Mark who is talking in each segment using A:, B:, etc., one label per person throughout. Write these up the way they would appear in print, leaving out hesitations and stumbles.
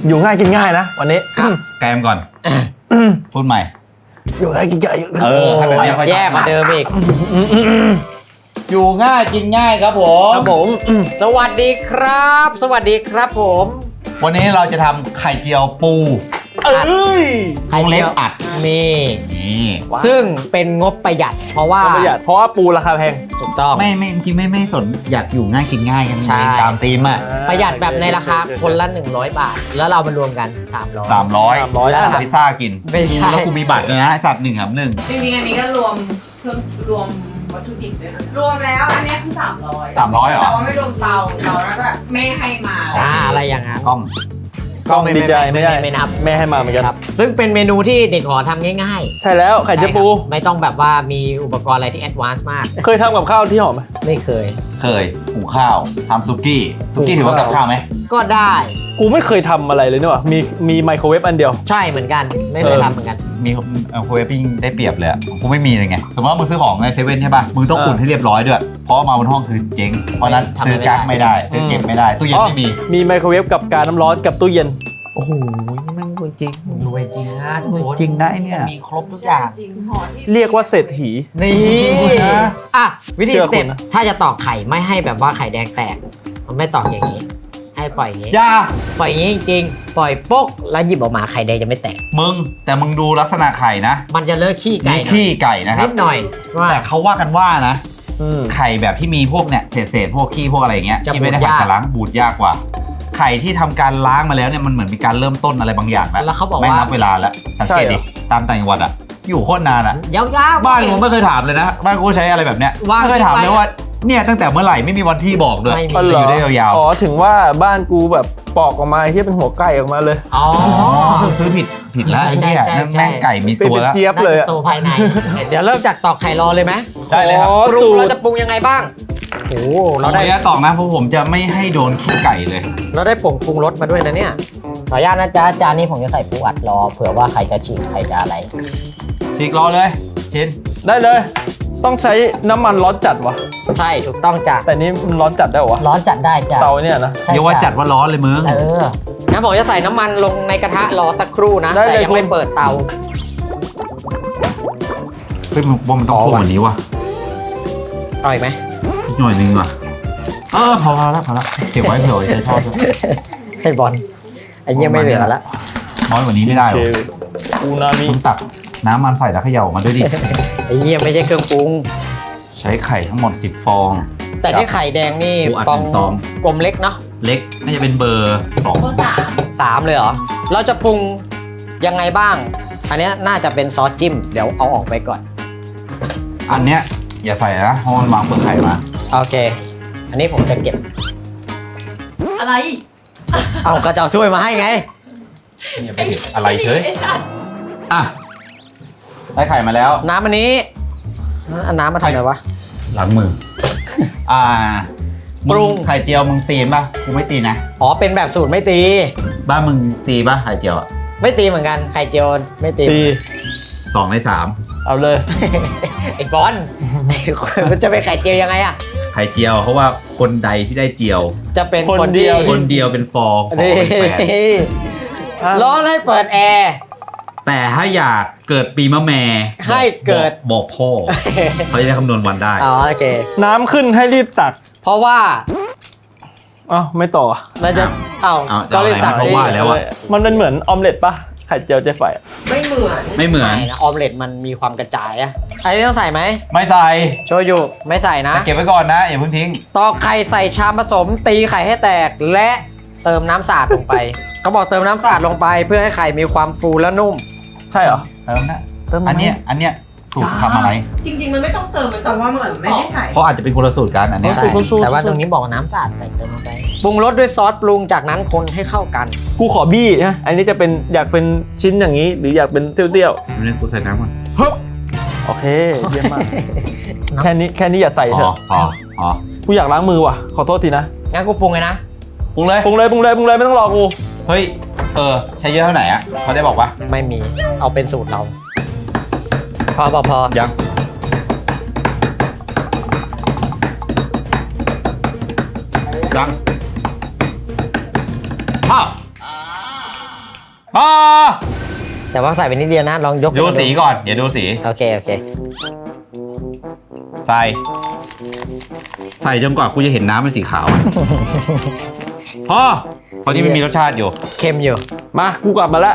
A: อยู่ง่ายกินง่ายนะวันนี้
B: แกมก่อนพูดใหม่
A: อยู่ง่ายกินง่าย
B: ถ้าแบบนี้ค่อย
C: แย่กว่าเดิมอีก
B: อยู่ง่ายกินง่ายครับผม
A: ครับผม
C: สวัสดีครับ สวัสดีครับผม
B: วันนี้เราจะทำไข่เจียวปู
A: เอ้ย
C: ไข่
B: วงเล็
C: เจี
B: บ
C: ยว
B: อัด
C: นี่
B: นี่
C: ซึ่งเป็นงบประหยัด เพราะว่า
A: ประหยัดเพราะว่าปูราคาแพง
C: ถูกต้อง
B: ไม่จริงไม่สนอยากอยู่ง่ายกินง่ายกัน
C: ใช่
B: ตามธีมอ่ะ
C: ประหยัดแบบในราคาคนละ100 บาท แล้วเรามารวมกัน300
B: 300
A: 300
C: แล้ว
B: พิซซ่ากิน
C: ไม่ใช่
B: แล้วกูมีบัตรเลยนะไอ้สัตว์1 ครับ 1
D: จริงๆอันนี้ก็รวมเครื่องรวมวัตถุดิบด้วยนะรวมแล้วอันเนี้ยคือ300
B: 300เหรอ
D: แต่ว่าไม่รวมเตาแล้วก็แม่ให้มา
C: อะไรอย่างนั้น
B: กล้อง
A: กล้องดีใจไม่ได้
C: ไม่นับ
A: แม่ให้มาเหมือนกัน
C: ครับซึ่งเป็นเมนูที่เด็กหอทำง่าย
A: ใช่แล้ว
C: ๆ
A: ไข่เจียวปู
C: ใช่ครับไม่ต้องแบบว่ามีอุปกรณ์อะไรที่แอดวานซ์มาก
A: เคยทำกับข้าวที่หอมไหม
C: ไม่เคย
B: เคยหุงข้าวทำซุกี้ถือว่ากับข้าวไหม
C: ก็ได้
A: กูไม่เคยทำอะไรเลยนี่หว่ามีไมโครเวฟอันเดียว
C: ใช่เหมือนกัน ไม่เคยทำเหมือนกัน
B: มีโคเวฟยิ่งได้เปรียบเลยอะกูไม่มีเลยไงสมมติว่ามึงซื้อของในเซเว่นใช่ป่ะมึงต้องอุ่นให้เรียบร้อยด้วยเพราะว่ามาบนห้องคือเจ๊งเพราะนั้น
C: ทำ
B: ซื้อกั๊กไม่ได้ซื้อเก็บไม่ได้ตู้เย็นไม่มี
A: มีไมโครเวฟกับการน้ำร้อนกับตู้เย็น
B: โอ้โหนี่มันรวยจริง
C: รวยจริงนะทุกคน
B: จริงนะไอ้เนี่ย
C: มีครบทุกอย่าง
D: จริงห่อที่
A: เรียกว่าเศรษฐี
C: นี่อ่ะวิธี
A: เชื่อ
C: สเต็ป
A: คุณนะ
C: ถ้าจะตอกไข่ไม่ให้แบบว่าไข่แดงแตก มันไม่ตอกอย่างนี้ ให้ปล่อยอย่างนี้
B: อย่า
C: ปล่อยอย่างนี้จริงๆ ปล่อยโป๊กแล้วหยิบออกมาไข่แดงจะไม่แตก
B: มึงแต่มึงดูลักษณะไข่นะ
C: มันจะเลิกขี้ไก่
B: มี
C: หน่อย
B: ขี้ไก่นะครั
C: นิ
B: บ
C: ดหน่อยว่า
B: แต่เขาว่ากันว่านะ
A: อืม
B: ไข่แบบที่มีพวกเนี่ยเศษพวกขี้พวกอะไรอย่างเงี้ย
C: จะ
B: ที่ไม่ได้
C: บูด
B: ผ่าน
C: ยาก
B: การล้างบูดยากกว่า ไข่ที่ทำการล้างมาแล้วเนี่ยมันเหมือนมีการเริ่มต้นอะไรบางอย่างแล้ว
C: แล้วเขาบอก
B: ไม่
C: ว่า
B: นับเวลาแล้วสังเกตดิตามต่างจังหวัดอะอยู่โคตรนานอะ
C: ยาวๆ
B: บ้าน
C: เห็
B: ผมไม่เคยถามเลยนะบ้านกูใช้อะไรแบบเนี้ย
C: ว่าง
B: ไม่เคยถามเลยว่าเนี่ยตั้งแต่เมื่อไหร่ไม่มีวันที่บอกด้วย
C: ไม่มี
A: อ๋อเหร
B: อยู่ได้ยาว
A: อ๋อถึงว่าบ้านกูแบบปอกออกมาที่เป็นหัวไก่ออกมาเลย
C: อ๋อ
B: ๆซื้อผิดแล้วไอ้เนี่ย
C: ใช่
B: นั่นแม่งไก่มี
A: เป็น
B: ตัวแล้ว
A: เจี๊ยบ
C: น่า
A: เลย
C: จะ
A: อะ
C: โตภายใน เดี๋ยวเริ่มจากตอกไข่รอเลยไหม
B: ได้เลยครับ
A: อ๋อ
C: ปรุ
A: สู
C: ง
A: ต
C: เรา
A: ร
C: จะปรุงยังไงบ้างโอ้โหเราได้
B: ผมจะตอกนะเพราะผมจะไม่ให้โดนขี้ไก่เลย
C: เราได้ผงปรุงรสมาด้วยนะเนี่ยขออนุญาตนะจ๊ะจานนี้ผมจะใส่ปูอัดรอเผื่อว่าใครจะฉีกใครจะอะไร
B: ฉีกรอเลยชิน
A: ได้เลย ต้องใช้น้ำมันร้อนจัดวะ
C: ใช่ถูกต้องจ้ะ
A: แต่นี้มันร้อนจัดได้เหรอวะ
C: ร้อนจัดได้จ้ะ
A: เตาเนี่ยนะ
C: ใช่
B: อย่าว่าจัดว่าร้อนเลยมึง
C: งั้นผมจะใส่น้ำมันลงในกระทะรอสักครู่นะ
A: ได้
C: แต่
A: เลย
C: ยังไม่
A: คุณ
C: เปิดเตา
B: เฮ้ยมันต้องโค้งกว่านี้ว่ะ
C: เอาอีกไหม
B: อีกหน่อยนึงว่ะพอแล้วเก็บไว้เผื่อไว้ใช้ทอดด้วย
C: ให้บอลไอ้เงี้ยไม่เหลือละ
B: น้อยกว่านี้ไม่ได้
A: โอ
B: หร
A: เค
B: อ
A: อูนามิ
B: คุณตักน้ำมันใส่แล้วเขย่ามาด้วยดิ
C: ไอ้เงี้ยไม่ใช่เครื่องปรุง
B: ใช้ไข่ทั้งหมด10ฟอง
C: แต่ที่ไข่แดงนี่
B: ปูอัด
C: ฟอง
B: หนึ่งซอง
C: กลมเล็กเนาะ
B: เล็กน่าจะเป็นเบอร์2
D: โคสาม
C: 3เลยเหรอเราจะปรุงยังไงบ้าง อันเนี้ยน่าจะเป็นซอสจิ้มเดี๋ยวเอาออกไปก่อน
B: อันเนี้ยอย่าใส่นะเพราะมันวางเปลือกไข่มา
C: โอเค อันนี้ผมจะเก็บ
D: อะไร
C: เอาก็จะเอาช่วยมาให้ไง
B: อย่าไปเห็นอะไรเฉยอ่ะได้ไข่มาแล้ว
C: น้ำอันนี้อันน้ำมาทำอะไรวะ
B: ล้างมือปรุงไข่เจียวมึงตีนป่ะกูไม่ตีนะ
C: อ๋อเป็นแบบสูตรไม่ตี
B: บ้านมึงตีป่ะไข่เจียวอ่ะ
C: ไม่ตีเหมือนกันไข่เจียวไม่ตี
A: ตี
B: 2 ใน 3
A: เอาเลย
C: ไอ้บอลมันจะเป็นไข่เจียวยังไงอะ
B: ไข่เจียวเพราะว่าคนใดที่ได้เจียว
C: จะเป็น
A: คน
C: คน
A: เดี
C: ที่
A: ยว
B: คนเดียวเป็นฟองขอ
C: นี่
B: เป็นแฟน
C: ร้อนให้เปิดแอร์
B: แต่ถ้าอยากเกิดปีมะแม่
C: ให้เกิด
B: บอกพ่อ เขาจะได้คำนวณวันได้
C: อ๋อโอเค
A: น้ำขึ้นให้รีบตัก
C: เพราะว่า
A: อ้าวไม่ต่อ
C: มันจะเอ้า
B: เอา
C: ก็เลยตัก
B: เอา
C: ดิ
B: ว่าแล้วอะ
A: มันเป็นเหมือนออมเล็ตปะไข่เจียวใจไฟอะ
D: ไม่เหมือน
B: ไม่เหมือน
C: ไม่นะออมเล็ตมันมีความกระจายอะอันนี้ต้องใส่ไหม
B: ไม่ใส่
C: โชยุไม่ใส่นะ
B: เก็บไว้ก่อนนะอย่าเพิ่งทิ้ง
C: ตอกไข่ใส่ชามผสมตีไข่ให้แตกและเติมน้ำสะอาดลงไป เขาบอกเติมน้ำสะอาดลงไป เพื่อให้ไข่มีความฟูและนุ่ม
A: ใช่เหรอ
B: เติมนะ
A: เติมไหม
B: อันเนี้ยสูตรทำอะไร
D: จริงๆมันไม่ต้องเติมมันแต่ว่าเหมือนไม่ได้ใส่
B: เพราะอาจจะเป็นคนละสูตรกันอันเนี้ย
C: ใช่แต่ว่าตรงนี้บอกน้ำสะอาดใส่เติมลงไปปรุงรสด้วยซอสปรุงจากนั้นคนให้เข้ากัน
A: กูขอบี้นะอันนี้จะเป็นอยากเป็นชิ้นอย่างนี้ หรืออยากเป็นเซี่ยว
B: เรื่องกูใส่น้ำก่อน
A: ๆโอเคเยี่ยมมาก แค่นี้อย่าใส่เถอะ
B: พอ
A: กูอยากล้างมือว่ะขอโทษทีนะ
C: งั้นกูปรุงเลยนะ
B: ปรุงเลย
A: ปรุงเลยไม่ต้องรอกู
B: เฮ้ยใช้เยอะเท่าไหร่อ่ะเขาได้บอกปะ
C: ไม่มีเอาเป็นสูตรเรา พอ
B: ยังพอพอ
C: แต่ว่าใส่ไปนิดเดียวนะลองยก
B: ดูสีก่อนเดี๋ยวดูสี
C: โอเคโอเค
B: ใส่จนกว่ากูจะเห็นน้ำเป็นสีขาวอะพอเพราะนี่มันมีรสชาติอยู่
C: เค็มอยู่
A: มากูกลับมาแล้ว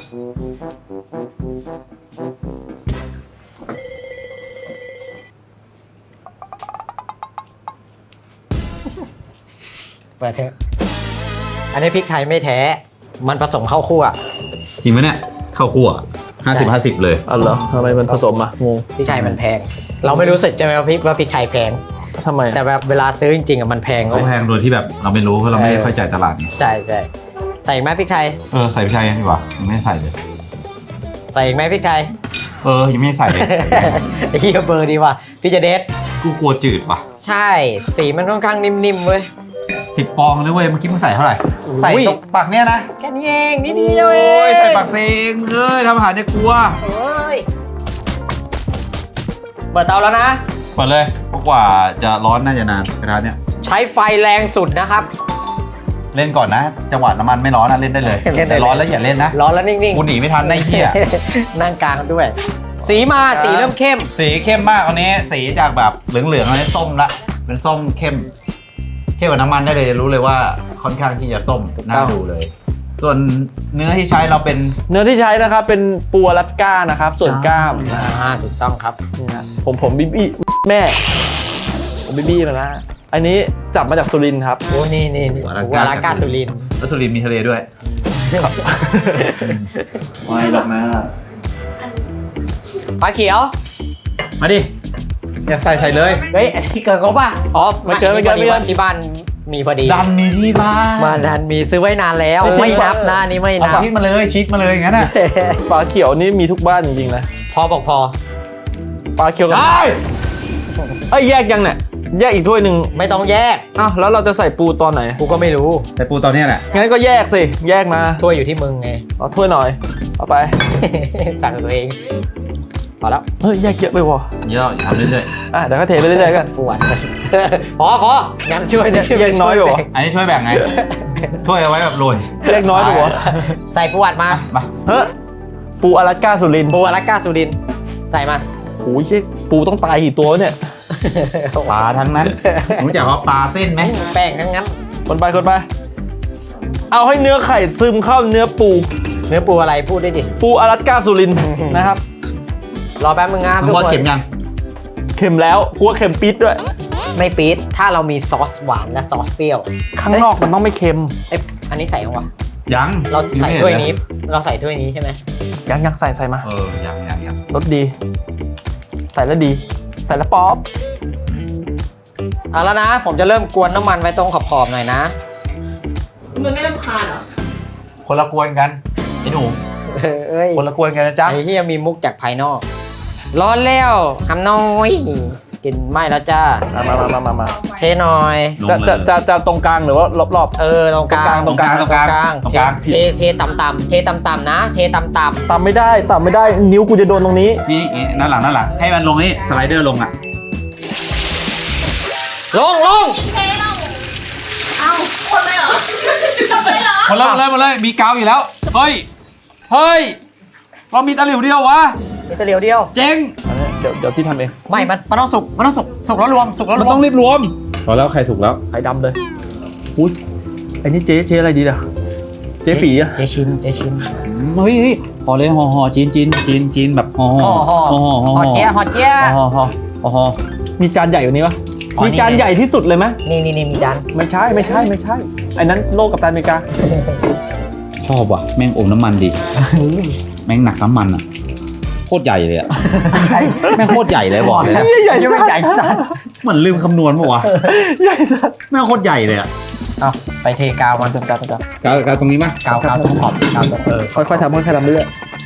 C: เปิดเถอะอันนี้พริกไทยไม่แท้มันผสมข้าวคั่ว
B: จริงไหมเนี่ยข้าวคั่ว50-50เลย
A: อ๋อเหรอทำไมมันผสมอ่ะงง
C: พริกไทยมันแพง เราไม่รู้สึกใช่ไหมว่าพริกไทยแพง
A: ทำไม
C: แต่แบบเวลาซื้อจริงๆอ่ะมันแพง
B: เขาแพงโดยที่แบบเราไม่รู้เพราะเราไม่ได้ค่อยจ่ายตลาดนี่
C: ใช่ใช่ใส่อีกไหมพริกไทย
B: ใส่ไปใช่ดีกว่ายังไม่ได้ใส่เลย
C: ใส่อีกไหมพริกไทย
B: ยังไม่ได้ใส่เลย
C: ไอ้เหี้ยเบอร์ดีว่ะพี่จะเด็ด
B: กูกลัวจืดป่ะ
C: ใช่สีมันค่อนข้างนิ่มๆเว้ย
B: 10 ปองเลยเว้ยเมื่อกี้มึงใส่เท่าไหร่
C: อุ้ย
B: ใส่ตรงปากเนี้ยนะ
C: แค่นี้เองนิดเดียวเอง
B: โอ้ยใส่ปากเซงเลยทำอาหารเนี่ยกลัว
C: เอ้ยเปิดเตาแล้วนะ
B: เปิดเลยเพราะกว่าจะร้อนน่าจะนานกระทะเนี่ย
C: ใช้ไฟแรงสุดนะครับ
B: เล่นก่อนนะ จังหวะน้ำมันไม่ร้อนนะเล่นได้เลย
C: เล่นได้เลย
B: แต่ร้อนแล้วอย่าเล่นนะ
C: ร้อนแล้วนิ่ง
B: กูหนีไม่ทันได้เหี้ย
C: นั่งกลางด้วย สีมาสีเริ่มเข้ม
B: สีเข้มมากอันนี้สีจากแบบเหลืองๆอันนี้ส้มละเป็นส้มเข้มกว่าน้ำมันได้เลยรู้เลยว่าค่อนข้างที่จะส้มน่าดูเลย ส่วนเนื้อที่ใช้เราเป็น
A: เนื้อที่ใช้นะครับเป็นปูอลาสก้านะครับส่วนกล้ามนะ
C: ถูกต้องครับ
A: นี่นะผมบิบี้แม่ผมบิบี้มาแล้วอันนี้จับมาจากสุรินทร์ครับ
C: โอ้นี่วาลากาสุรินทร์
B: แล้วสุรินทร์มีทะเลด้วยไม่หรอกนะ
C: ปลาเขียว
B: มาดิอยากใส่เลย
C: เฮ้ยอันนี้เกินเขาป่ะอ๋อไม่เกินว่าที่บ้านมีพอดี
B: ดันมีที่บ้าน
C: มาดันมีซื้อไว้นานแล้วไม่นับนะอันนี่ไม่
B: เอา
C: นับ
B: ชีสมาเลยชีสมาเลยอย่างนั้นน่ะ
A: ปลาเขียวนี่มีทุกบ้านจริงๆนะ
C: พอบอกพอ
A: ปลาเขียวกับ
B: ได้
A: เอ้ยแยกยังเนี่ยแยกอีกถ้วยหนึ่ง
C: ไม่ต้องแยก
A: อ้าวแล้วเราจะใส่ปูตอนไหน
C: กูก็ไม่รู้
B: แต่ปูตอนนี้แหละ
A: งั้นก็แยกสิแยกมา
C: ถ้วยอยู่ที่มึงไง
A: เอาถ้วยหน่อยเอาไป
C: สั่งตัวเองพอแล้ว
A: เฮ้ยแยกเยอะไปวะ
B: เยอะอย่าทำเรื่อย
A: อ่ะเดี๋ยวก็เทไปเรื่อยๆกัน
C: ปวด พองั้นช่วยเนี่ย
A: แยกน้อยไปวะ
B: ๆอันนี้ถ้วยแบ่งไงถ้วยเอาไว้แบบโรย
A: แยกน้อยไปวะ
C: ใส่ปวดมา
B: มา
A: เฮ้ยปูอลาสก้าสุรินทร์
C: ปูอลาสก้าสุรินทร์ใส่มา
A: โอ้ยเหี้ยปูต้องตายกี่ตัวเนี่ย
B: ปลาทั้งนั้นรู้จักว่าปลาเส้นไหม
C: แป้งทั้งนั้น
A: คนไปเอาให้เนื้อไข่ซึมเข้าเนื้อปู
C: เนื้อปูอะไรพูดได้ดิ
A: ปูอลาสก้าสุรินทร์นะครับ
C: รอแป๊บมึงนะ
B: มึงว่าเก็บยัง
A: เค็มแล้วกลัวเค็มปิดด้วย
C: ไม่ปี๊ดถ้าเรามีซอสหวานและซอสเปรี้ยว
A: ข้างนอกมันต้องไม่เค็ม
C: เอ๊ะอันนี้ใส่ยังวะ
B: ยัง
C: เราใส่ถ้วยนี้ เราใส่ถ้วยนี้ใช่ไหม
A: ยังใส่มา
B: ยัง
A: รสดี ใส่แล้วดี ใส่แล้วป๊อป
C: เอาแล้วนะ ผมจะเริ่มกวนน้ำมันไว้ตรงขอบๆหน่อยนะ
D: มันไม่รำคาญเหรอ
B: คนละกวนกันไอ้หนู
C: เอ้ย
B: คนละกวนกันนะจ๊ะ
C: ไอ้ที่มีมุกจากภายนอก ร้อนแล้วทำน้อยกินไม่แล้วจ้า
A: มา
C: เทหน่อย
B: ลง
A: จะ
B: เลย
A: จะตรงกลางหรือว่ารอบ
C: ตรงกลาง
B: ตรงกลาง
C: เทต่ำๆเทต่ำๆนะ เทต่ำ
A: ๆตามไม่ได้นิ้วกูจะโดนตรงนี้
B: นี่นั่นหลังให้มันลงนี่สไลเดอร์ลงอ่ะ
C: ๆลง
D: เท่เราเอ้าคนเลยเหรอทำไมเหรอ
B: หมดเลยมีกาวอยู่แล้วเฮ้ยเรามีตะหลิวเดียววะ
C: มีตะเหลียวเดียว
B: เจ๊ง
A: เดี๋ยวที่ทำเอง
C: ไม่มันต้องสุกสุกแล้วรวมสุกแล้ว
B: มัน
C: รว
B: ต้อ
C: ม
B: งรีบรวมพอแล้วใครถูกแล้ว
A: ไข่ดำเลยอุ้ยไอ้นี่เจ๊อะไรดีล่ะเจ๊ฝีอะ
C: เจชิน
B: เฮ้ยห่อเลยห่อจีนแบบห่อ
C: ฮอเจี๊ย
A: ห่อมีจานใหญ่กว่านี้ปะ
C: อ๋อ
A: มีจานใหญ่ที่สุดเลยไหม
C: นี่มีจาน
A: ไม่ใช่ไอ้นั้นโลกกับตันอเมริกา
B: ชอบว่ะแม่งอมน้ำมันดีแม่งหนักน้ำมันอ่ะโคตรใหญ่เลยอ่ะแม่งโคตรใหญ่เลยบอกเลยนะ
A: ใหญ่
C: ยังไม่ใหญ่สัตว์
B: เหมือนลืมคำนวณปะวะ
A: ใหญ่สัส
B: แม่งโคตรใหญ่เลยอ่ะ
C: เอาไปเทกาวมัน
A: ตรงกลาง
B: กาวตรงนี้มั้ย
C: กาวตรงขอบกาวตรง
A: ค่อยๆทำเรื่อย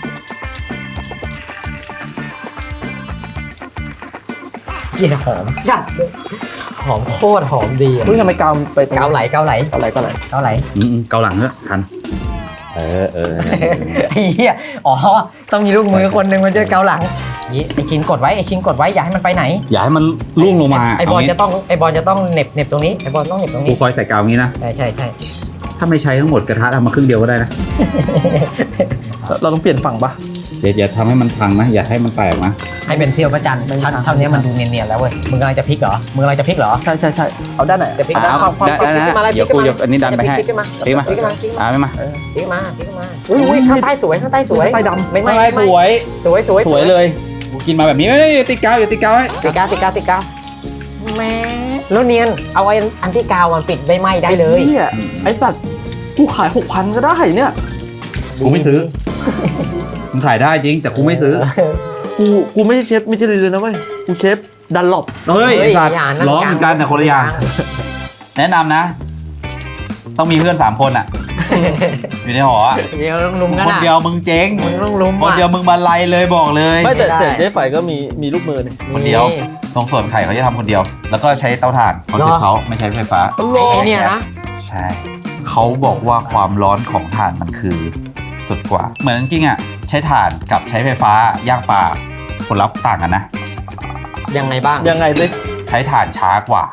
C: เยี่ยหอมจัดเลยหอมโคตรหอมดีอะ
A: เฮ้ยทำไมกาวไปตรง
C: กาวไหล
A: เกาไหล
B: เกาหลังเถอะทันเออ
C: ไอ้เหี้ยอ๋อต้องมีลูกมือคนหนึ่งมาช่วยเกาหลังนี่ไอชิ้นกดไว้อย่าให้มันไปไหน
B: อย่าให้มันล่วงลงมา
C: ไอบอลจะต้องเหน็บตรงนี้ไอบอลต้องเหน็บตรง
B: กู
C: นี้
B: คอยใส่กาวงี้นะ
C: ใช่
B: ถ้าไม่ใช้ทั้งหมดกระทะทำมาครึ่งเดียวก็ได้นะ
A: เราต้องเปลี่ยนฝั่งปะ
B: อย่าทำให้มันพังนะอย่าให้มันแตกนะ
C: ให้เป็นเซียวพระจันทร์เท่านี้มันดูเนียนๆแล้วเว้ยมึงกำลังจะพลิกเหรอ
A: ใช่เอาด้านไหน
C: จะพลิกความพลิกขึ้นมาเลย
B: เดี๋ยวกูยกอันนี้ดันไปให้
C: พลิกขึ้นมา
B: พลิกมา
C: พลิกขึ้นมา
B: ไม่มา
C: พลิกมาอุ้ยข้างใต้สวยข้างใต้สวย
A: ใต้ดำ
C: ไม่
B: สวย
C: สวย
B: เลยกูกินมาแบบนี้ไม่ติดกาวอย่าติดกาวให้
C: ติดกาวแม่แล้วเนียนเอาไอ้อันที่กาวมันปิดไม่ไหม้ได้เลย
A: เนี่ยไอสัตว์กูขาย 6,000 ก็ได้เนี่ย
B: กูไม่ซื้อมึงขายได้จริงแต่กูไม่ซื้อ
A: กูไม่ใช่เชฟมิชลินเลยนะเว้ยกูเชฟดันหลบ
B: เฮ้ยไอ้สัตว์ร้องเหมือนกันแต่คนละอย่าง แนะนำนะ ต้องมีเพื่อน3 คนอ่ะ อยู่ในหออ่ะ
C: เดี๋ยวต้องลุมกัน
B: คน
C: อ่ะ
B: เดียวมึงเจ๊ง
C: มึงต้องลุม
B: คนเดียวมึงบรรลัยเลยบอกเลย
A: ไม่แต่เจ๊ไฝก็มีลูกมือเนี่ย
B: คนเดียวตรงส่วนไข่เขาจะทำคนเดียว แล้วก็ใช้เตาถ่านของเขาไม่ใช้ไฟฟ้า
C: ไอ้เนี่ยนะ
B: ใช่เขาบอกว่าความร้อนของถ่านมันคือสุดกว่า เหมือนจริงๆอ่ะใช้ถ่านกับใช้ไฟฟ้าย่างปลาผลลัพธ์ต่างกันนะ
C: ยังไงบ้าง
A: ยังไงสิ
B: ใช้ถ่านช้ากว่า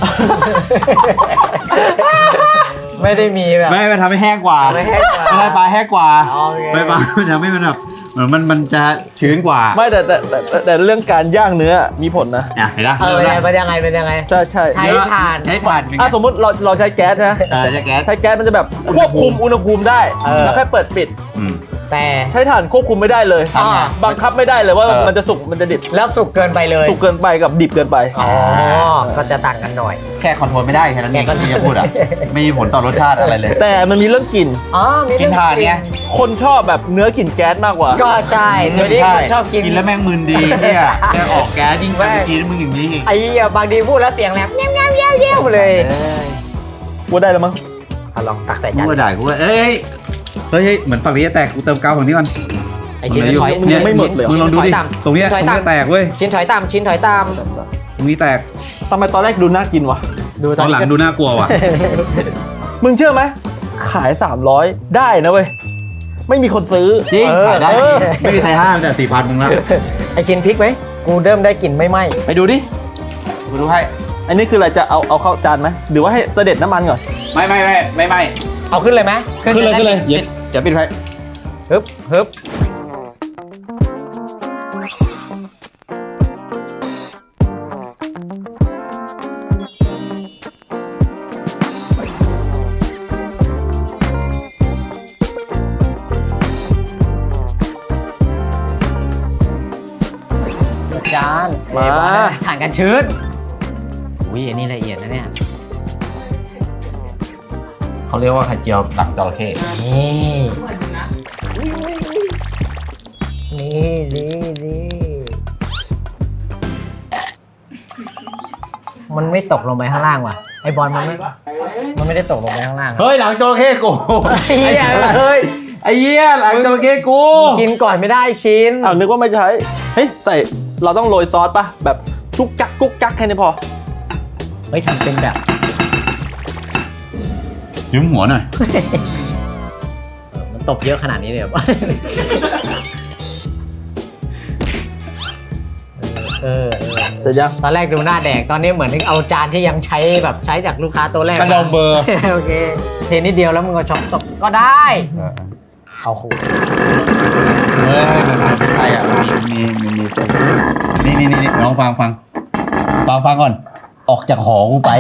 C: ไม่ได้มีแบบ
B: ไม่มันทำให้แห้งกว่า
C: ไม่แห้งกว่า
B: ไม่ได้ปลาแห้งกว่า
C: โอเค
B: ไฟฟ้ามันทำให้มันแบบเหมือนมันจะชื้นกว่า
A: ไม่แต่เรื่องการย่างเนื้อมีผลนะ
B: เห็นไหม
C: เป็นยังไง
A: ใช่
C: ใช้ถ่าน
B: ใช้ถ่านเป็นไง
A: สมมติเราใช้แก๊สนะ
B: ใช้แก๊ส
A: ใช้แก๊สมันจะแบบควบคุมอุณหภูมิได้แล้วแค่เปิดปิด
B: อืม
C: แต่
A: ใช้ถ่านควบคุมไม่ได้เลย
C: อ่า
A: บังคับไม่ได้เลยว่ามันจะสุกมันจะดิบ
C: แล้วสุกเกินไปเลย
A: สุกเกินไปกับดิบเกินไป
C: อ๋อก็จะต่างกันหน่อย
B: แค่คอนโทรลไม่ได้แค่นั้นเองที่จะพูดอ่ะไม่มีผลต่อรสชาติอะไรเลย
A: แต่มันมีเรื่องกลิ่น
C: อ๋อมี
B: กินถ่านเนี่ย
A: คนชอบแบบเนื้อกลิ่นแก๊สมากกว่า
C: ก็ใช่เดี๋ยวนี้คนชอบกิน
B: กินแล้วแม่งมึนดีเนี่ยแค่ออกแก๊สยิ่งกินมึงอย่างนี้อีก
C: ไอ้เหี้ยบางทีพูดแล้วเสียงแหลมเงี้ยวเลย
A: กูได้แล้วมั้ง
C: ลองตักใส่
B: กู
C: จาน
B: ก็ได้กูก็เอ้ยเหมือนฝั่งนี้จะแตกกูเติมกาวฝั่งนี้ก่อน
C: ไอ้ชิ้นถอย
A: ยังไม่หมดเลย
B: มึงลองดูดิตรงเนี้ยตรงนี้แตกเว้ย
C: ชิ้นถอยตาม
B: ตรงนี้แตก
A: ทำไมตอนแรกดูน่ากินวะ
C: ดู
B: ตอนหลังดูน่ากลัวว่ะ
A: มึงเชื่อไหมขาย 300 ได้นะเว้ยไม่มีคนซื้อ
B: จริงขายได้
A: เออ
B: ไม่มีใครห้ามแต่ 4,000 มึงละ
C: ไอ้ชิ้นพริกไหมกูเริ่มได้กลิ่นไม่ไหม้
B: ไปดูดิกูดูให้
A: อันนี้คืออะไรจะเอาเข้าจานไหมหรือว่าให้เสด็จน้ำมันก่อน
B: ไม่
C: เอาขึ้นเลยไหม
B: ขึ้นเลยเย็ดจะปิดไฟ
C: ฮึบจานสั่งกันชื้นอุ้ยอันนี้ละเอียดนะเนี่ย
B: เขาเรียกว่าไข่เจียวหนังจระเข้
C: นี่มันไม่ตกลงไปข้างล่างว่ะไอบอลมันไม่ได้ตกลงไปข้างล่าง
B: เฮ้ยหลังจระเข้กู
C: ไอ้เหี้ยเฮ้ย
B: ไอ้เหี้ยหลังจระเข้กู
C: กินก่อนไม่ได้ชิ้น
A: อ้าวนึกว่าไม่ใช้เฮ้ยใส่เราต้องโรยซอสป่ะแบบจุกจักกุ๊กจักแค่นี้พอ
C: เฮ้ยทำเป็นแบบ
B: ยืมหัวหน่อย
C: มันตบเยอะขนาดนี้เลยเหรอ
A: เสร็จยัง
C: ตอนแรกดูหน้าแดกตอนนี้เหมือนเอาจานที่ยังใช้แบบใช้จากลูกค้าตัวแรก
B: กระดองเบอร์
C: โอเคเทนิดเดียวแล้วมึงก็ช็อปตกก็ได้ เอาขู่
B: ใช่อ่ะมีนี่น้องฟังก่อน ออกจากหอกูไป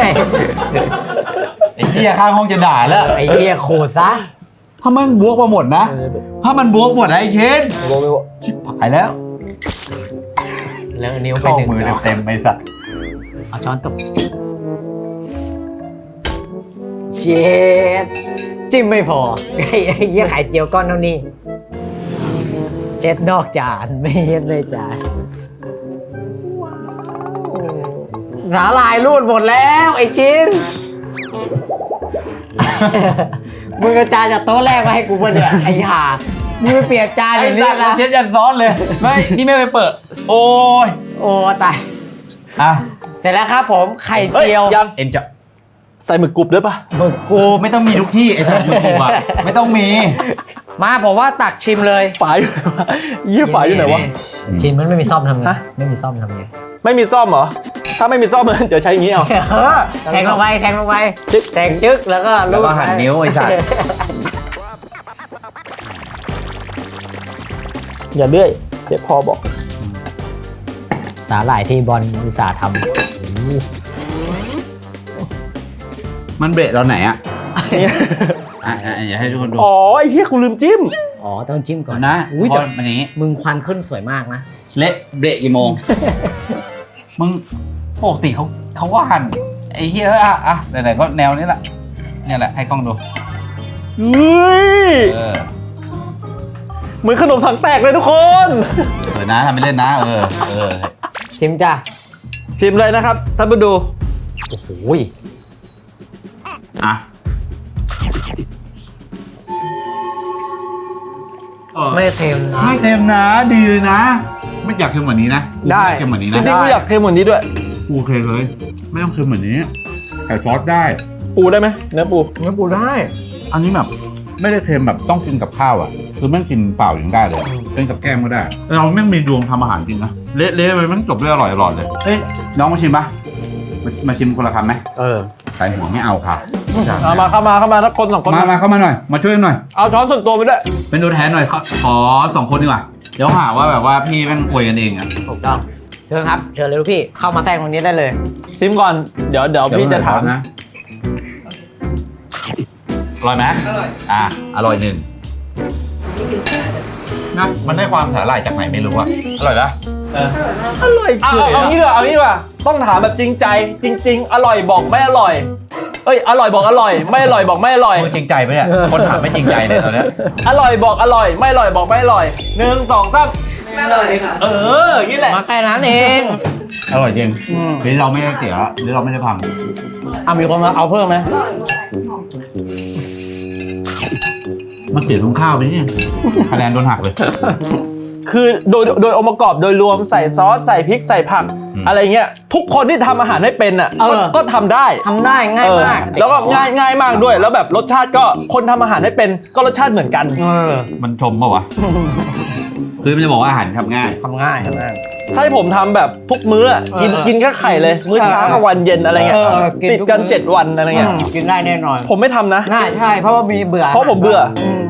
B: ไอ้เหี้ยข้างห้องจะด่าแล้ว
C: ไอ้เหี้ยขู่ซะ
B: ถ้ามันบวกมาหมดนะ ถ้ามันบวกหมดนะไอ้เชนชิบหายแล้ว
C: แล้วนิ้วไป
B: เข้า
C: หนึ่ง
B: มือ
C: ดอก
B: เต็มๆไอ้สัตว์
C: เอาช้อนตบเจ็ดจิ้มไม่พอไอ้เหี้ยไข่เจียวก้อนเท่านี้เจ็ดนอกจานไม่เย็ดเลยจานสาลายรูดหมดแล้วไอ้ชิ้น มึงเอาจานจากโต๊ะแรกมาให้กูป่ะเนี่ยไอ้ห่ามึงไปเปลี่ยนจานอย่างนี้นะ
B: เชนยันซ้อนเลย ไม่นี่ไม่ไปเปิด โอ้ย
C: โอ้ตาย
B: อ่ะ
C: เสร็จแล้วครับผมไข่เจียว
A: ยัง
B: เอ็นจะ
A: ใส่หมึกกรุบด้วยป่ะ
B: กูไม่ต้องมีทุกที่ไอ้สัตว์มึงอ่ะไม่ต้องมี
C: มาผมว่าตักชิมเลย
A: ฝายอยู่ไหนวะยี่ฝายอยู่ไหนวะ
C: ชิมมันไม่มีซ่อมทำไง
A: ฮะ
C: ไม่มีซ่อมทำไง
A: ไม่มีซ่อมเหรอถ้าไม่มีซ่อมเดี๋ยวใช้อย่างนี้เอา
C: แทงลงไปแทงลงไปจึ๊กแทงจึ๊กแล้วก็
B: แล้วก็หั่นนิ้วไอ้สัตว์
A: อย่าเลื่อยเดี๋ยวพอบอก
C: สาหร่ายที่บอลอุตส่าห์ท
B: มันเบรดตอนไหนอ่ะ
A: นี่
B: อย่าให้ทุกคนดู
A: อ๋อไอ้เหี้ยกูลืมจิ้ม
C: ำอ๋อต้องจิ้มก่อน
B: นะ
C: อุ้ย
B: พ
C: แต่
B: อมันนี้
C: มึงควันขึ้นสวยมากนะ
B: เละเบรกกี่โมง มึงปกติเขาว่าหั่นไอ้เหี้ยอ่ะไหนๆก็แนวนี้แหละเนี่ยแหละให้กล้องดู
A: เฮ้ย
B: เออ
A: เหมือนขนมถังแตกเลยทุกคน
B: นะทำไปเล่นนะเออ
C: ชิมจ้ะ
A: ชิมเลยนะครับท่านผู้ดู
C: โอ้โห
B: อ่ะ
C: ไม่เค็มนะ
B: ไม่เค็มนะดีเลยนะ ไม่อยากเค็มกว่านี้นะกู
C: ได้
B: ม่เค็มกว่านี้
A: จริ
B: นะ
A: งๆกูอยากเค็มเหมือนนี้ด้วย
B: กูโอเคเลย ไม่ต้องเค็มเหมือนนี้ใส่ซอสได้
A: ปูได้ไหมเนื้อปู
C: เนื้อปูได้
B: อันนี้แบบไม่ได้เค็มแบบต้องกินกับข้าวอ่ะคือแม่งกินเปล่าอย่างได้เลยเป็นกับแก้มก็ได้เราแม่งมีดวงทำอาหารจริงนะเละๆไปแม่งจบด้วยอร่อยๆเลยเฮ้ยน้องมาชิมปะมาชิมคนละคำไหม ใส่หัวไม่เอาค่ะ
A: เอามาเข้ามาถ้าคนสองคน
B: มาเข้ามาหน่อยมาช่วยหน่อย
A: เอาช้อนส่วนตัวไปด้วย
B: เป็นตัวแทนหน่อยขอ2 คนดีกว่าเดี๋ยวหาว่าแบบว่าพี่แม่งอวยกันเองอ่ะ
C: ถูกต้องเชิญครับเชิญเลยลูกพี่เข้ามาแทรกตรงนี้ได้เลย
A: ชิมก่อนเดี๋ยวพี่จะถาม
B: นะอร่อยไหมอร่อยหนึ่งนะมันได้ความสาหร่ายจากไหนไม่รู้อะอร่อยนะ
A: อร่อยเอางี้ดีกว่าต้องถามแบบจริงใจ จริง ๆ อร่อยบอกไม่อร่อยเอ้ยอร่อยบอกอร่อย ไม่อร่อยบอกไม่อร่อย
B: พูดจริงใจไหมเนี่ยคนถามไม่จริงใจเลยตอนเนี้ย
A: อร่อยบอกอร่อย ไม่อร่อยบอกไม่อร่อย1 2 3
D: ไม่เลยค่ะ
A: อย่างนี้แหละ
C: มาแค่นั้นเอง
B: อร่อยจริงหรือเราไม่ได้เสียหรือเราไม่ได้พัง
C: มีคนมาเอาเพิ่มไหม
B: มันเสียตรงข้าวไปเนี่ยคะแนนโดนหักเลย
A: คือโดยองค์ประกอบโดยรวมใส่ซอสใส่พริกใส่ผัก อะไรเงี้ยทุกคนที่ทำอาหารให้เป็นอ่ะก็ทำได้
C: ทำได้ง่ายมาก
A: แล้วก็ง่ายมากด้วย แล้วแบบรสชาติก็คนทำอาหารให้เป็นก็รสชาติเหมือนกัน
B: มันชมป่าวะ คือมันจะบอกว่าอาหารทำง่าย
C: ทำง่ายทำง่าย
A: ถ้าให้ผมทำแบบทุกมื้ออะกินแค่ไข่เลย มื้อเช้ากลางวันเย็นอะไรเงี้ย
C: กิน
A: ติด
C: ทุก
A: กัน
C: มื้อ
A: 7 วันอะไรเงี้ย
C: กินได้แน่นอน
A: ผมไม่ทำนะ
C: น่าใช่เพราะว่ามีเบื่อ
A: เพราะผมเบื่อ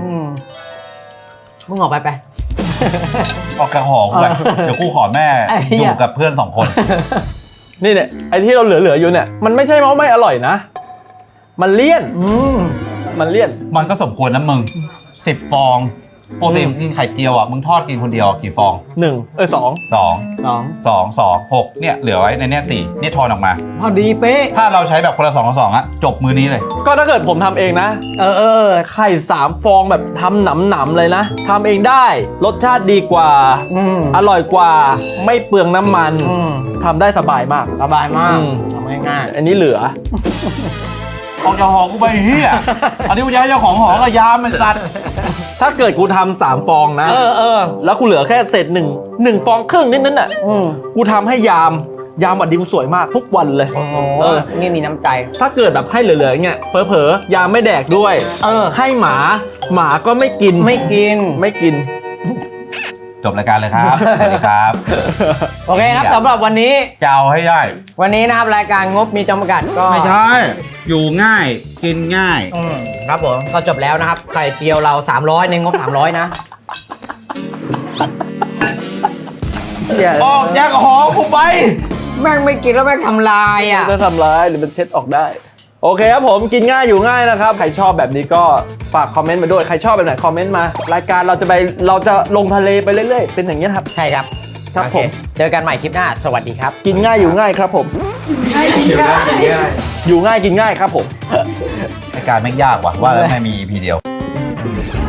C: มึงออกไป
B: ออกกระหอกูไปเดี๋ยวกูขอแม่
C: ไอ้เหี้
B: อย ยู่กับเพื่อน2 คน
A: นี่เนี่ยไอ้ที่เราเหลืออยู่เนี่ยมันไม่ใช่ว่าไม่อร่อยนะ มันเลี่ยนมันเลี่ยน
B: มันก็สมควรนะมึง10 ฟองปกติกินไข่เจียวอ่ะมึงทอดกินคนเดียวกี่ฟอง
A: 2
B: 6เนี่ยเหลือไว้ในเนี้ย4นี่ทอนออกมา
C: พอดีเป๊ะ
B: ถ้าเราใช้แบบคนละ2 ต่อ 2อ่ะจบมือนี้เลย
A: ก็ถ้าเกิดผมทำเองนะไข่3 ฟองแบบทำหนำๆเลยนะทำเองได้รสชาติดีกว่าอร่อยกว่าไม่เปลืองน้ำมันทำได้สบายมาก
C: สบายมากทำง่าย
A: อันนี้เหลือ
B: ออกจากหอกูไปเฮียอันนี้กูจะให้เจ้าของหอกับยามมันสัตว์
A: ถ้าเกิดกูทำ3 ฟองนะแล้วกูเหลือแค่เศษ1 ฟองครึ่งนิดนึงน่ะกูทำให้ยามวัดดีกูสวยมากทุกวันเลย
C: นี่มีน้ำใจ
A: ถ้าเกิดแบบให้เหลือๆอย่างเงี้ยเผลอๆยามไม่แดกด้วยให้หมาก็ไม่กิน
C: ไม่กิน
B: จบรายการเลยครับสวัสดีครับ
C: โอเคครับสำหรับวันนี้
B: จะเอาให้ได้
C: วันนี้นะครับรายการงบมีจำกัดก็
B: ไม่ใช่อยู่ง่ายกินง่าย
C: ครับผมก็จบแล้วนะครับไข่เจียวเรา300ในงบ300นะ
B: ออกจากหอกูไป
C: แม่งไม่กินแล้วแม่งทำลายอ่ะ
A: ถ้าทำร้ายหรือมันเช็ดออกได้โอเคครับผมกินง่ายอยู่ง่ายนะครับใครชอบแบบนี้ก็ฝากคอมเมนต์มาด้วยใครชอบแบบไหนคอมเมนต์มารายการเราจะลงทะเลไปเรื่อยๆเป็นอย่างนี้ยครับ
C: ใช่ครับ
A: ครับ
C: โอเค
A: ผม
C: เจอกันใหม่คลิปหน้าสวัสดีครับ
A: กินง่ายอยู่ง่ายครับผมอยู่ง่ายกินง่ายครับผม
B: รายการไม่ยากว่ะว่าแล้วไม่มี EP เดียว
C: ค